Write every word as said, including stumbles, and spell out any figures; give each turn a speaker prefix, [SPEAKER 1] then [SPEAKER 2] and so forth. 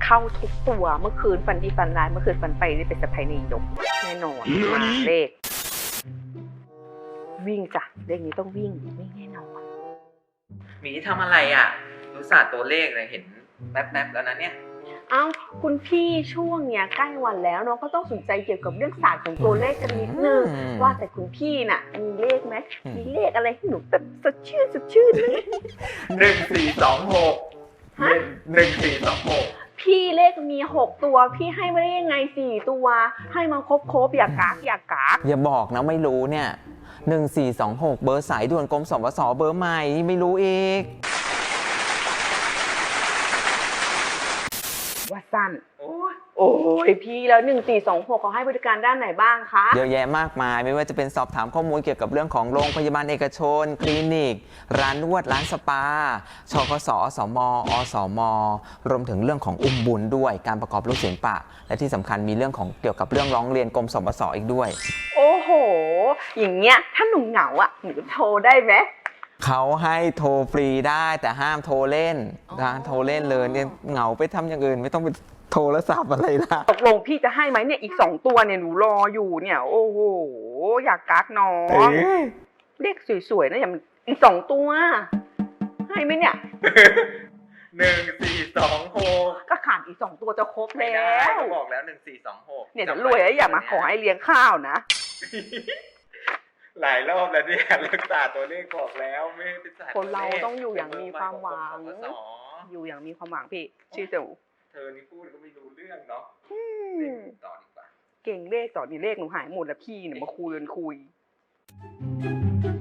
[SPEAKER 1] เข้าทุกตัวเมื่อคืนฝันดีฝันร้ายเมื่อคืนฝันไปได้เป็นสะพายนายกแน่นอนมาเลขวิ่งจ้ะเลขนี้ต้องวิ่งวิ่งแน่นอน
[SPEAKER 2] หมีทำอะไรอ่ะรู้ศาสตร์ตัวเลขเลยเห็นแป๊บๆแล้วนะเนี่ย
[SPEAKER 1] เอ้าคุณพี่ช่วงเนี้ยใกล้วันแล้วเนาะก็ต้องสนใจเกี่ยวกับเรื่องศาสตร์ของตัวเลขกันนิดนึงว่าแต่คุณพี่น่ะมีเลขไหมมีเลขอะไรให้หนูแบบสดชื่นสดชื่นไหม
[SPEAKER 2] หนึ่งสี่สองหกหนึ่งสี่สองหก
[SPEAKER 1] พี่เลขมีหกตัวพี่ให้มาได้ยังไงสี่ตัวให้มาครบครบอย่ากากอย่ากาก
[SPEAKER 3] อย่าบอกนะไม่รู้เนี่ยหนึ่งสี่สองหกเบอร์สายด่วนกรมสปสเบอร์ใหม่ไม่รู้อีก
[SPEAKER 1] ว่าสั้นโอ้ยโอ้ยพี่แล้วหนึ่งสี่สองหกเขาให้บริการด้านไหนบ้างคะ
[SPEAKER 3] เยอะแยะมากมายไม่ว่าจะเป็นสอบถามข้อมูลเกี่ยวกับเรื่องของโรงพยาบาลเอกชนคลินิกร้านนวดร้านสปาชกสอสมอสมรวมถึงเรื่องของอุ้มบุญด้วยการประกอบลูกศิลปะและที่สำคัญมีเรื่องของเกี่ยวกับเรื่องร้องเรียนกรมสปสอีกด้วย
[SPEAKER 1] โอ้โหอย่างเงี้ยถ้าหนูเหงาอ่ะหนูโทรได้ไหม
[SPEAKER 3] เขาให้โทรฟรีได้แต่ห้ามโทรเล่นนะโทรเล่นเลยเนี่ยเหงาไปทำอย่างอื่นไม่ต้องไปโทรศัพท์อะไรล่ะ
[SPEAKER 1] ตกลงพี่จะให้ไหมเนี่ยอีกสองตัวเนี่ยหนูรออยู่เนี่ยโอ้โหอยากกักน้องเลขสวยๆนะอย่างอีกสองตัวให้ไหมเนี่ย
[SPEAKER 2] หนึ่งสี่สองหก
[SPEAKER 1] ก็ขาดอีกสองตัวจะครบแล้ว
[SPEAKER 2] ก็บอกแล้วหนึ่งสี่สองหก
[SPEAKER 1] เนี่ยจะรวยแล้วอย่ามาขอให้เลี้ยงข้าวนะ
[SPEAKER 2] หลายรอบแล้วเนี่ยรักษาตัวเลขบอกแล้วไม่ไปศาสตร์
[SPEAKER 1] คนเราต้องอยู่อย่างมีความหวังอยู่อย่างมีความหวังพี่ชื่อเจ้า
[SPEAKER 2] เธอนี่พูดก็ไม่รู้เรื่องเนาะต่อดีกว่า
[SPEAKER 1] เก่งเลขต่อนี่เลขหนูหายหมดแล้วพี่เนี่ยมาคุยกันคุย